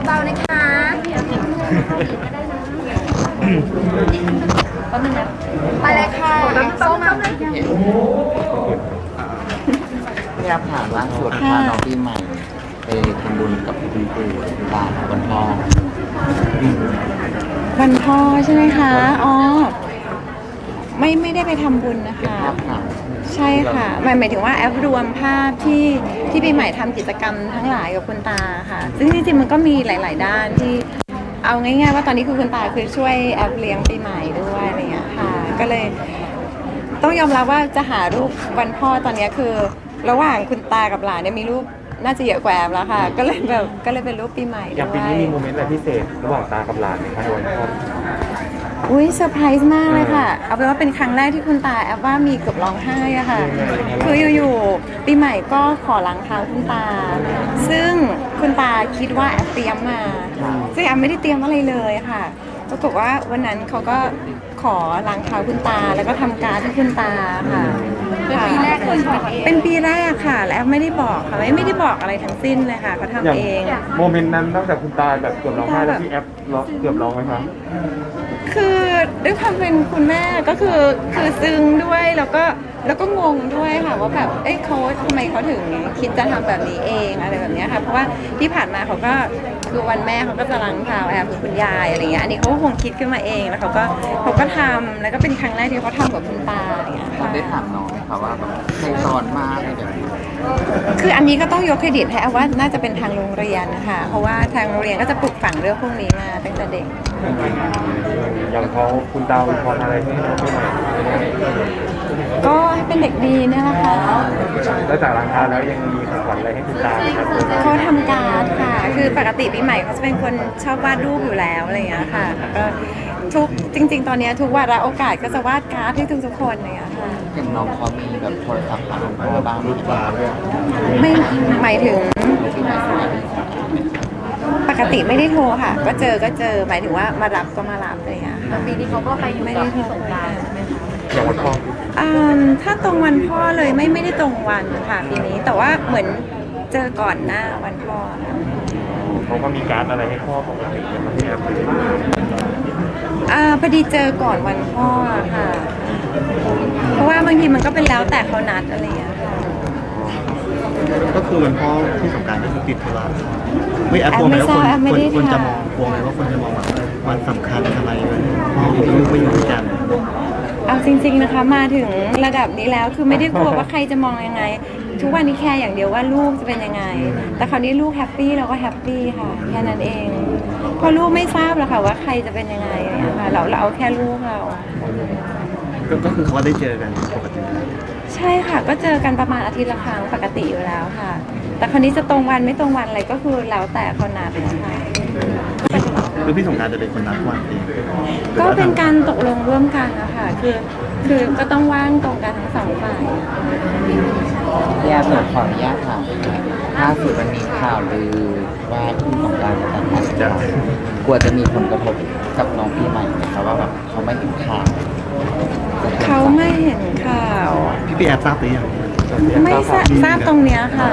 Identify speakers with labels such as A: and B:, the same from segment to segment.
A: เบาๆนะคะแป๊บนึงนะไปเลยค่ะส้ม
B: พี่รับถามล่าสุดพาน้องปีใหม่ไปทำบุญกับคุณปู่คุณตาวันพ่อ
C: วันพ่อใช่ไหมคะ อ๋อ ไม่ได้ไปทำบุญนะคะ ใช่ค่ะหมายถึงว่าแอปรวมภาพที่ปีใหม่ทำกิจกรรมทั้งหลายกับคุณตาค่ะ ซึ่งจริงๆมันก็มีหลายๆด้านที่เอาง่ายๆว่าตอนนี้คือคุณตาคือช่วยแอปเลี้ยงปีใหม่ด้วยอะไรเงี้ยค่ะ ก็เลยต้องยอมรับว่าจะหารูปวันพ่อตอนนี้คือระหว่างคุณตากับหลานเนี่ยมีรูปน่าจะเยอะกว่าแอปแล้วค่ะ ก็เลยเป็นรูปปีใหม่ด้วย
D: อย่างปีนี้มีโมเมนต์อะไรพิเศษระหว่างตากับหลานไหมคะในวันพ่อ
C: อุ้ยเซอร์ไพรส์มากเลยค่ะ เอาเป็นว่าเป็นครั้งแรกที่คุณตาแอบว่ามีเกือบร้องไห้อะค่ะ คืออยู่ๆปีใหม่ก็ขอล้างเท้าคุณตา ซึ่งคุณตาคิดว่าแอบเตรียมมา ซึ่งแอบไม่ได้เตรียมอะไรเลยค่ะปรากฏว่าวันนั้นเขาก็ขอล้างเท้าคุณตาแล้วก็ทำการ์ดให้คุณตาค่ะ
A: เป็นปีแรกเลยใช่ไหม
C: เป็นปีแรกค่ะ แล้วไม่ได้บอกค่ะไม่ได้บอกอะไรทั้งสิ้นเลยค่ะเขาทำเอง
D: โมเมนต์นั้นนอกจากคุณตาแบบเกือบร้องไห้แล้วพี่แอฟเกือบร้องไหมคะ
C: คือด้วยความเป็นคุณแม่ก็คือซึ้งด้วยแล้วก็งงด้วยค่ะว่าแบบเขาทำไมเขาถึงคิดจะทำแบบนี้เองอะไรแบบนี้ค่ะเพราะว่าที่ผ่านมาเขาก็คือวันแม่เขาก็จะล้างเท้าแอบคือคุณยายอะไรเงี้ยอันนี้เขาก็คงคิดขึ้นมาเองแล้วเขาก็ทำแล้วก็เป็นครั้งแรกที่เขาทำกับคุณตาอย่างเงี้ยค่ะ
B: ได้ถามน้องไหมคะว่าแบบใครสอนมาอะไรแบบนี้
C: คืออันนี้ก็ต้องยกเครดิตให้ว่าน่าจะเป็นทางโรงเรียนนะคะเพราะว่าทางโรงเรียนก็จะปลูกฝังเรื่องพวกนี้มาตั้งแต่เด็ก
D: อย่างเขาคุณตาพรอะไรให้น้องปีใหม่
C: ก็ให้เป็นเด็กดีเนี่ยแหละค่ะ
D: แล้วจากหลังคาแล้วยังมีของขวัญอะไรให้คุณตาไหมครับ
C: เขาทำการ์ดค่ะคือปกติปีใหม่เขาจะเป็นคนชอบวาดรูปอยู่แล้วอะไรอย่างเงี้ยค่ะแล้วก็จริงๆตอนนี้ทุกวาระโอกาสก็จะวาดการ์ดให้ทุกคนอะไรอย่างเงี้ยค่ะ
B: เห็นน้องเขามีแบบโทรศัพท์หาพ่อบ้างไหม
C: ไม่หมายถึงปกติไม่ได้โทรค่ะก็เจอหมายถึงว่ามารับก็มารับอะไรอย่างเงี้ยค่ะ
A: ปีนี้เขาก็ไปอยู่กับพี่สงกรานต์ใช่ไหมคะ
D: อย่างวันพ่อ
C: ถ้าตรงวันพ่อเลยไม่ได้ตรงวันค่ะปีนี้แต่ว่าเหมือนเจอก่อนหน้าวันพ่อ
D: เขาก็มีการอะไรให้พ่อปกติเป็นพี่แอฟเลย
C: พอดีเจอก่อนวันพ่อค่ะเพราะว่าบางทีมันก็เป็นแล้วแต่เขานัดอะไรอย่างเงี้ยค่ะ
E: ก็คือวันพ่อที่สงกรานต์ก็คือติดธุระไม่แอบกลัวไหมว่าคนจะมองกลัวไหมว่าคนจะมองแบบวันสำคัญอะไรพ่อลูกไม่อยู่ด้วยกัน
C: เอาจริงๆนะคะมาถึงระดับนี้แล้วคือไม่ได้กลัวว่าใครจะมองยังไงทุกวันนี้แค่อย่างเดียวว่าลูกจะเป็นยังไงแต่คราวนี้ลูกแฮปปี้เราก็แฮปปี้ค่ะแค่นั้นเองเพราะลูกไม่ทราบหรอกค่ะว่าใครจะเป็นยังไงค่ะเราเอาแค่ลูกเรา
E: ก็คือเขาได้เจอกันปกติ
C: ใช่ค่ะก็เจอกันประมาณอาทิตย์ละครั้งปกติอยู่แล้วค่ะแต่คราวนี้จะตรงวันไม่ตรงวันอะไรก็คือแล้วแต่เขานัดนะคะ
E: คือพี่สงกรานต์จะเป็นคนนัดวันเอง
C: ก็เป็นการตกลงร่วมกันนะคะคือก็ต้องว่างตรงกันทั้งสองฝ่าย
B: พี่แอฟขออนุญาตถามล่าสุดมันมีข่าวลือว่าคุณสงกรานต์จะแต่งงานกลัวจะมีผลกระทบกับน้องปีใหม่ไหมคะว่าแบบเขาไม่เห็นข่าว
C: เขาไม่เห็นข่าว
E: พี่แอฟทราบหรือยัง
C: ไม่ทราบตรงเนี้ยค่ะ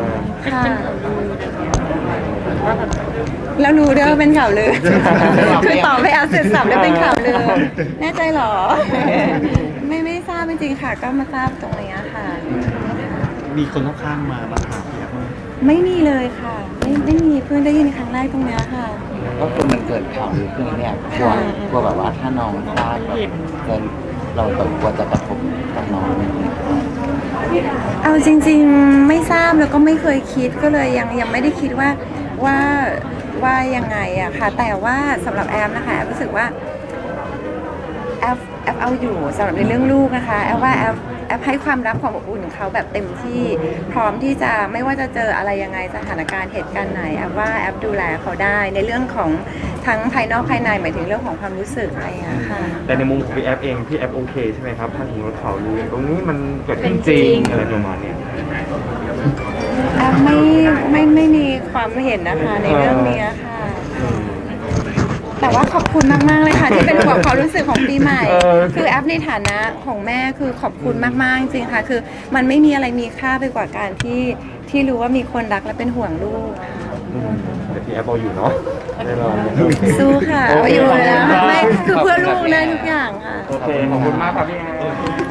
C: แล้วรู้ด้วยว่าเป็นข่าวลือคือตอบไปเอาเสร็จสับแล้วเป็นข่าวลือแน่ใจหรอไม่ทราบจริงๆค่ะก็มาทราบตรงนี้ค่ะ
E: มีคนข้างๆมาถามพี่แอฟ
C: ไม่มีเลยค่ะไม่มีเพิ่งได้ยินครั้งแรกตรงนี้ค่ะ
B: ก็คือมันเกิดข่าวลือขึ้นเนี่ยกลัวแบบว่าถ้าน้องพลาดแบบเราแบบกลัวจะกระทบกับน้อง
C: เอาจริงๆไม่ทราบแล้วก็ไม่เคยคิดก็เลยยังไม่ได้คิดว่ายังไงอะค่ะแต่ว่าสำหรับแอฟนะคะแอฟรู้สึกว่าแอฟเอาอยู่สำหรับในเรื่องลูกนะคะแอฟว่าแอฟให้ความรักความอบอุ่นเขาแบบเต็มที่พร้อมที่จะไม่ว่าจะเจออะไรยังไงสถานการณ์เหตุการณ์ไหนแอฟว่าแอฟดูแลเขาได้ในเรื่องของทั้งภายนอกภายในหมายถึงเรื่องของความรู้สึกอะไรอย่างเงี้ยค่ะ
D: แต่ในมุมของพี่แอฟเองพี่แอฟโอเคใช่ไหมครับถ้าถึงรถข่าวลือตรงนี้มันเกิดขึ้นจริงอะไรประมาณนี้
C: แอฟไม่มีความเห็นนะคะในเรื่องนี้ค่ะแต่ว่าขอบคุณมากๆเลยค่ะที่เป็นห่วงความรู้สึกของปีใหม่คือแอฟในฐานะของแม่คือขอบคุณมากๆจริงค่ะคือมันไม่มีอะไรมีค่าไปกว่าการที่รู้ว่ามีคนรักและเป็นห่วงลูก
D: แต่พี่แอฟเอาอยู่เนาะแน่นอน
C: สู้ค่ะเอาอยู่นะไม่คือเพื่อลูกได้ทุกอย่างค่ะ
D: โอเคขอบคุณมากครับพี่แอฟ